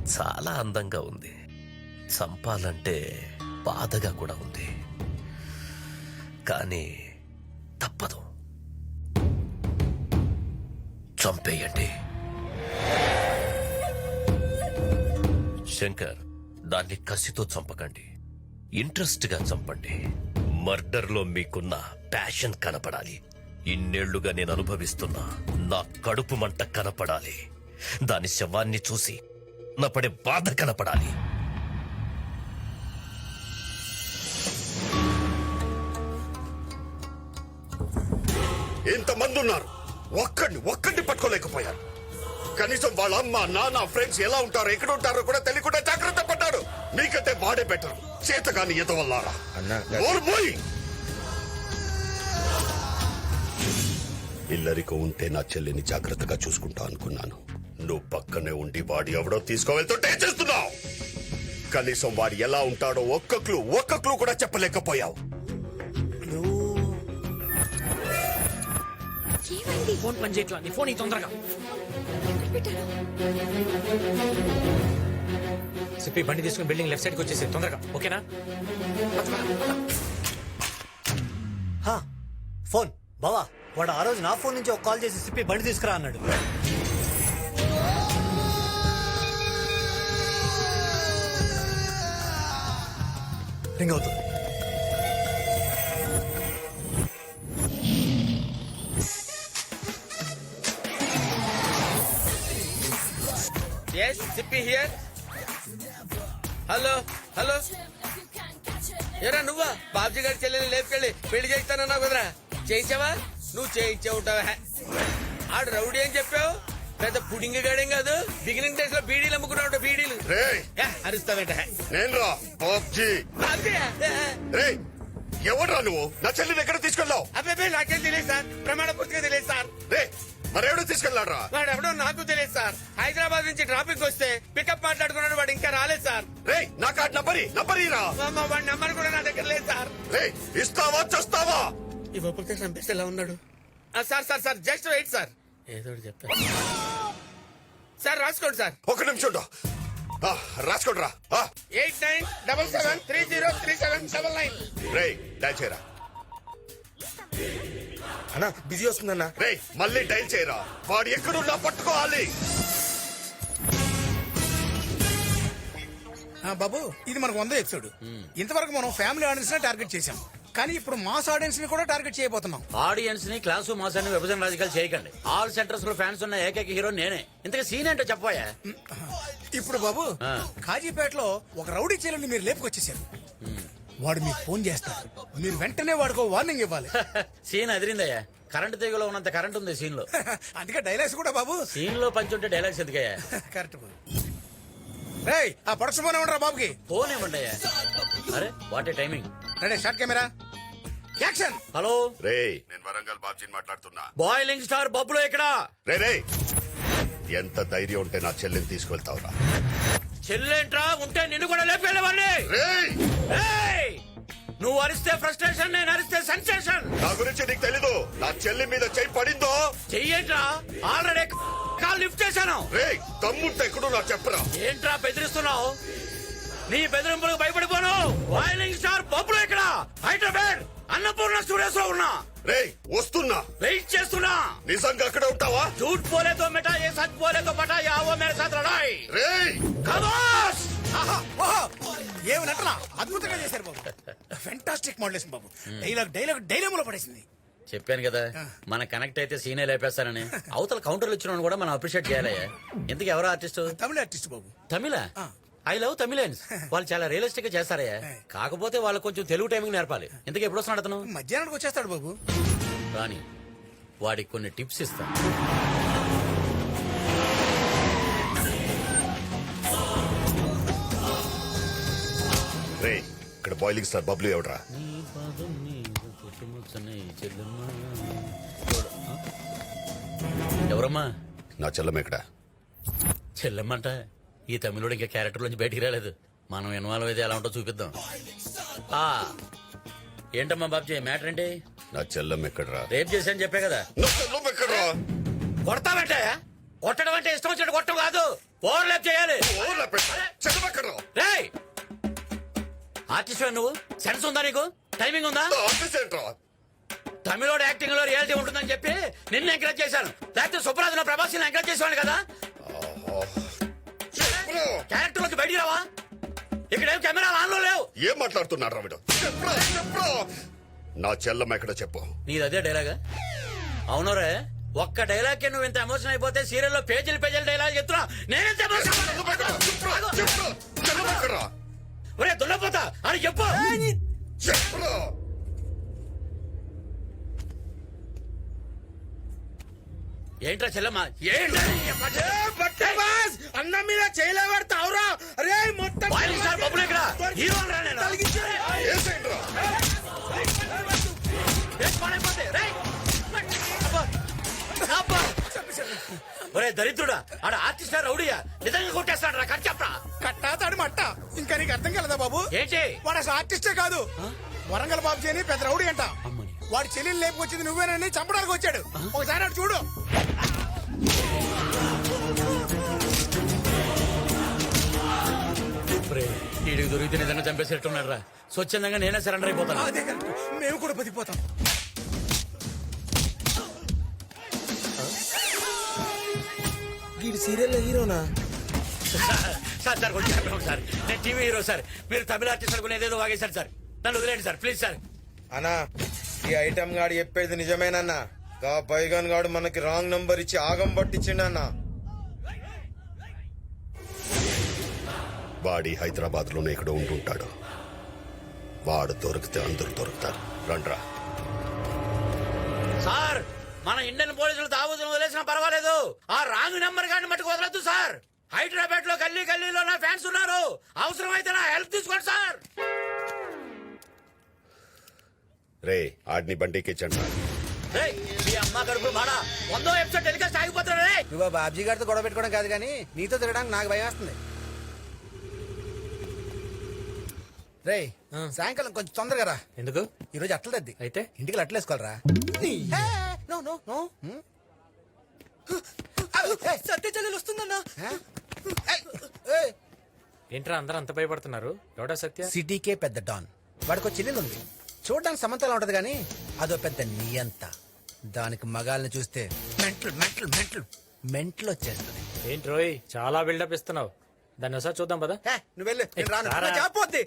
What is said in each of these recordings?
చాలా అందంగా ఉంది. చంపాలంటే బాధగా కూడా ఉంది, కానీ తప్పదు. చంపేయండి. శంకర్, దాన్ని కసితో చంపకండి, ఇంట్రెస్ట్ గా చంపండి. మర్డర్ లో మీకున్న ప్యాషన్ కనపడాలి. ఇన్నేళ్లుగా నేను అనుభవిస్తున్నా నా కడుపు మంట కనపడాలి. దాని శవాన్ని చూసి నా పడే బాధ కనపడాలి. ఇంతమంది ఉన్నారు, ఒక్కడిని పట్టుకోలేకపోయారు. కనీసం వాళ్ళ అమ్మ నాన్న ఫ్రెండ్స్ ఎలా ఉంటారో ఎక్కడ ఉంటారో కూడా తెలియకుండా జాగ్రత్త పడ్డాడు. మీకంటే వాడే బెటర్. చేతగాని ఎదవల్లారా. ఇల్లరికో ఉంటే నా చెల్లిని జాగ్రత్తగా చూసుకుంటా అనుకున్నాను. నువ్వు పక్కనే ఉండి వాడి ఎవడో తీసుకోవెళ్తుంటే చేస్తున్నావు. కనీసం వాడు ఎలా ఉంటాడో ఒక్క క్లూ కూడా చెప్పలేకపోయావు. ఫోన్ పని చేయట్లా. నీ ఫోన్ తొందరగా చెప్పి బండి తీసుకుని బిల్డింగ్ లెఫ్ట్ సైడ్కి వచ్చేసి తొందరగా. ఓకేనా? ఫోన్ బావా, వాడు ఆ రోజు నా ఫోన్ నుంచి ఒక కాల్ చేసి సిప్పి బండి తీసుకురా అన్నాడు. రింగ్ అవుతుంది. Yes, Sippy here. Hello hello, ఏరా నువ్వా? బాబ్జీ గారి చెల్లెని లేపుకెళ్ళి పెళ్లి చేస్తానన్నావు కదరా, చేయించావా? నువ్వు చేయించే ఉంటావా? ఆడు రౌడీ అని చెప్పావు, పెద్ద పుడింగ్ గాడేం కాదు. బిగినింగ్ డేస్ లో బీడీలు అమ్ముకున్నావు. బీడీలు అరుస్తావేంట? ఎవడ్రా నువ్వు? నా చెల్లిని ఎక్కడ తీసుకెళ్ళావు? అబ్బాయి నాకేం తెలియదు సార్, ప్రమాణ పూర్తిగా తెలియదు సార్. మరెవడో తీసుకెళ్లాడ్రా? వాడు ఎవడో నాకు తెలియదు సార్. హైదరాబాద్ నుంచి ట్రాఫిక్ వస్తే పికప్ మాట్లాడుకున్నాడు, వాడు ఇంకా రాలేదు సార్. నా కార్డు నంబరీరా. వాడి నంబర్ కూడా నా దగ్గర లేదు సార్. ఇస్తావా చేస్తావా? ఇవ్వకపోతే చంపేస్తే ఎలా ఉన్నాడు? Sir sir sir just wait sir, ఏదో చెప్పారు సార్. రాసుకోండి సార్. ఒక నిమిషం రాసుకోండి రా. 8977303779. డైల్ చేయరా. అన్నా బిజీ వస్తుందన్నా. మళ్ళీ డైల్ చేయరా. వాడు ఎక్కడున్నా పట్టుకోవాలి. బాబు, ఇది మనకు 100 ఎపిసోడ్. ఇంతవరకు మనం ఫ్యామిలీ ఆడియన్స్ ని టార్గెట్ చేశాం, కానీ ఇప్పుడు మాస్ ఆడియన్స్ ని కూడా టార్గెట్ చేయబోతున్నాం. ఆడియన్స్ ని క్లాసు మాస్ అని విభజన రాజకీయాలు చేయకండి. ఆల్ సెంటర్స్ లో ఫ్యాన్స్ ఉన్న ఏకైక హీరో నేనే. ఇంతగా సీన్ ఏంటో చెప్పాయా? ఇప్పుడు బాబు, కాజీపేటలో ఒక రౌడీ చీలని మీరు లేపుకొచ్చేసారు. వాడు మీకు ఫోన్ చేస్తాడు, మీరు వెంటనే వాడికి వార్నింగ్ ఇవ్వాలి. సీన్ అదిరిందయ్యా. కరెంట్ తీగలో ఉన్నంత కరెంట్ ఉంది సీన్ లో. అందుకే డైలాగ్స్ కూడా బాబు. సీన్ లో పంచి ఉంటే డైలాగ్స్ ఎందుకయ్యా? కరెక్ట్ బాబు. రేయ్, ఆ ప్రొడక్షన్ ఫోన్ ఇవ్వండి బాబుకి. ఫోన్ ఇవ్వండి అయ్యా. అరే what a timing. Ready, shot camera, action. Hello నేను వరంగల్ బాబ్జీని మాట్లాడుతున్నా. బాయిలింగ్ స్టార్ బబ్బులో ఇక్కడ. ఎంత ధైర్యం ఉంటే నా చెల్లిని తీసుకెళ్తావురా? చెల్లెంట్రా ఉంటే నిన్ను కూడా లేపేవాడిని. నువ్వు అరిస్తే ఫ్రస్ట్రేషన్, నేను అరిస్తే సెన్సేషన్. నా గురించి నీకు తెలీదు. నా చెల్లి మీద చెయ్యి పడిందో చెయ్యేంట్రా? ఆల్రెడీ కాల్ లిఫ్ట్ చేశాను. తమ్ముంటే ఎక్కడో నాకు చెప్పరా. ఏంట్రా బెదిరిస్తున్నావు? నీ బెదిరింపులకు భయపడిపోను. బాయిలింగ్ స్టార్ బబ్బులో ఇక్కడ హైదరాబాద్ అన్నపూర్ణ స్టూడియోస్ లో ఉన్నా. వస్తున్నా, వెయిట్ చేస్తున్నా. నిజంగా అక్కడ ఉంటావా? झूठ बोले तो मिटा, ये सच बोले तो बटा, ये आओ मेरे साथ लड़ाई. ఖమోష్. ఏమి నటన అద్భుతంగా చేశారు బాబు. ఫెంటాస్టిక్ మోడలేషన్ బాబు. డైలాగ్ లో పడేసింది. చెప్పాను కదా, మన కనెక్ట్ అయితే సీనే లేపేస్తానని. అవతల కౌంటర్లు ఇచ్చిన కూడా మనం అప్రిషియేట్ చేయాలయ్యా. ఇంతకు ఎవరో ఆర్టిస్ట్? తమిళ ఆర్టిస్ట్ బాబు. తమిళ? I love Tamilians. వాళ్ళు చాలా రియలిస్టిక్ గా చేస్తారయ్యా. కాకపోతే వాళ్ళు కొంచెం తెలుగు టైమింగ్ నేర్పాలి. ఇంతకు ఎప్పుడు వస్తున్నాడు అతను? మధ్యాహ్నానికి వచ్చేస్తాడు బాబు. రాని వాడికి కొన్ని టిప్స్ ఇస్తాను. ఇక్కడ బాయిలింగ్ స్టార్ బబ్లు ఎవడరా? ఎవరమ్మా? నా చెల్లం ఎక్కడ? చెల్లెమ్మంట. ఈ తమిళుడు ఇంకా క్యారెక్టర్ నుంచి బయటికి రాలేదు. మనం ఇన్వాల్వ్ అయితే ఎలా ఉంటో చూపిద్దాం. ఏంటమ్మా బాబ్జీ మ్యాటర్ ఏంటి? నా చెల్లం ఎక్కడరా? రేప్ చేశాను చెప్పే కదా. ఎక్కడరా? కొడతామంటే? కొట్టడం అంటే ఇష్టం వచ్చినట్టు కొట్టడం కాదు, ఓవర్ ల్యాప్ చేయాలి. ఆర్టిస్ట్ నువ్వు సెన్స్ ఉందా నీకు టైమింగ్ ఉందా ఆర్టిస్ట్ ఏంట్రా? తమిళోడు యాక్టింగ్ లో రియాలిటీ ఉంటుందని చెప్పి నిన్ను ఎంకరేజ్ చేశాను లేకపోతే సుప్రాజ్ ప్రభాస్ ఎంకరేజ్ చేసేవాడు కదా క్యారెక్టర్ లోకి బయటికి రావా ఇక్కడేం కెమెరా ఆన్ లో లేవు ఏం మాట్లాడుతున్నాడు రా వీడు? చెప్పురా, చెప్పురా. నా చెల్లమ్మ ఎక్కడ చెప్పు. నీది అదే డైలాగా అవునరే ఒక్క డైలాగ్ కి నువ్వు ఇంత ఎమోషన్ అయిపోతే సీరియల్లో పేజీలు డైలాగ్ చెప్తున్నా నేనెంత చెల్లమ్మ ఎక్కడ్రా? ఒరే దున్నపోతా అని చెప్పు చెప్పురా. ఏంట్రా చెల్లమ్మ ఏంట్రా అన్న మీద చేయలేబడతావురా అరే మొత్తం బాయిలింగ్ స్టార్ బబ్బులు ఇక్కడ హీరో రా నేను ఏసేంట్రా? వేసి పాడైపోతే, రేయ్. అబ్బా. అబ్బా. ఒరే దరిద్రుడా ఆడ ఆర్టిస్ట్ రౌడీయా నిజంగా కొట్టేస్తాడు రా కట్ చెప్పరా కట్టా తాడు మట్ట ఇంకా నీకు అర్థం కలదా బాబు? ఏంటి వాడు అసలు ఆర్టిస్టే కాదు, వరంగల్ బాబు అని పెద్ద రౌడీ అంట. అమ్మని. వాడి చెల్లెలు లేపుకొచ్చింది నువ్వేనని చంపడానికి వచ్చాడు. ఒకసారి అటు చూడు. వీడికి దొరికితే నిజంగా చంపేసేట్టున్నాడు రా స్వచ్ఛందంగా నేనే సరెండర్ అయిపోతాను అదే కరెక్ట్. మేము కూడా బతికిపోతాం. వీడి సీరియల్లో హీరోనా? సార్ సార్ కొంచెం చెప్పండి సార్ నేను టీవీ హీరో సార్ మీరు తమిళ ఆర్టిస్ట్ అనుకుని ఏదేదో వాగేశారు సార్ నన్ను వదిలేండి సార్ ప్లీజ్ సార్ అన్నా ఈ ఐటమ్ గాడు చెప్పేది నిజమేనన్నా గా పైగన్ గాడు మనకి రాంగ్ నంబర్ ఇచ్చి ఆగం పట్టించిండన్నా. వాడి హైదరాబాద్ లోనే ఇక్కడ ఉంటుంటాడు. వాడు దొరికితే అందరూ దొరుకుతారు. రండ్రా. సార్ మన ఇండియన్ పోలీసులు తాగుతున్న వదిలేసినా పర్వాలేదు ఆ రాంగ్ నెంబర్ గాని మట్టుకు వదలొద్దు సార్ హైదరాబాద్ లో గల్లీలో నా ఫ్యాన్స్ ఉన్నారు అవసరమైతే నా హెల్ప్ తీసుకోండి సార్ రే ఆడిని బండికి ఇచ్చండి. రేయ్, మీ అమ్మ కడుపు మాడా 100వ ఎపిసోడ్ టెలికాస్ట్ ఆగిపోతాడు రే నువ్వు బాబ్జీ గారితో గొడవ పెట్టుకోవడం కాదు కానీ నీతో తిరగడానికి నాకు భయం వేస్తుంది. రే సాయంకాలం కొంచెం తొందరగా రా. ఎందుకు ఈ రోజు అట్ల తద్ది అయితే ఇంటికి అట్ల వేసుకోవాలరా. నో నో నో సత్య చెల్లెలు వస్తుందన్నా. ఏంట్రా అందరూ అంత భయపడుతున్నారు ఎవడా సత్య సిటీకే పెద్ద డాన్ వాడికి చెల్లెలు ఉంది చూడడానికి సమంతలా ఉంటది కానీ అదో పెద్ద నియంత. దానికి మగాల్ని చూస్తే మెంటల్ మెంటల్ మెంటల్ మెంటల్ వచ్చేస్తుంది. ఏంటి రోయ్ చాలా బిల్డప్ ఇస్తున్నావు దాన్ని ఒకసారి చూద్దాం పదా నువ్వు వెళ్ళు నేను రాను. రారా. చెప్పొద్ది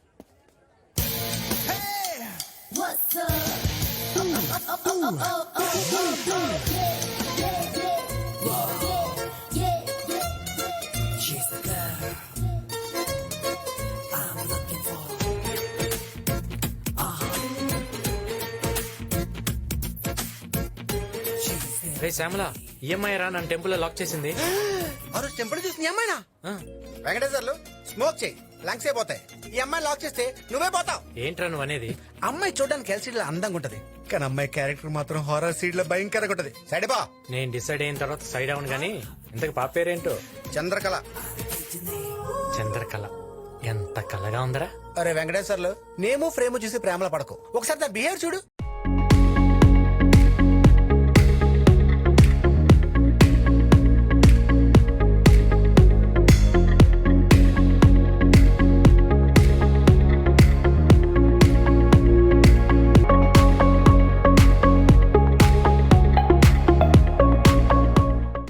రే శ్యామల ఈఎంఐ రా నన్ను టెంపుల్ లో లాక్ చేసింది ఆ రోజు టెంపుల్ చూసిన అమ్మాయినా ఆ, వెంకటేశ్వర్లు స్మోక్ చేయి లంగ్స్ అయిపోతాయి. ఈ అమ్మాయి లాక్ చేస్తే నువ్వే పోతావు. ఏంట్రా నువ్వు అనేది అమ్మాయి చూడడానికి ఎల్సీడీ లో అందంగా ఉంటది కానీ అమ్మాయి క్యారెక్టర్ మాత్రం హారర్ సీడ్ లో భయంకరంగా ఉంటది. సైడ్ బా నేను డిసైడ్ అయిన తర్వాత సైడ్ అవును గానీ ఇంతకు పాప పేరేంటో చంద్రకళ. చంద్రకళ ఎంత కళగా ఉందరా అరే వెంకటేశ్వర్లు నేము ఫ్రేమ్ చూసి ప్రేమలో పడకు ఒకసారి నా బిహేవ్ చూడు.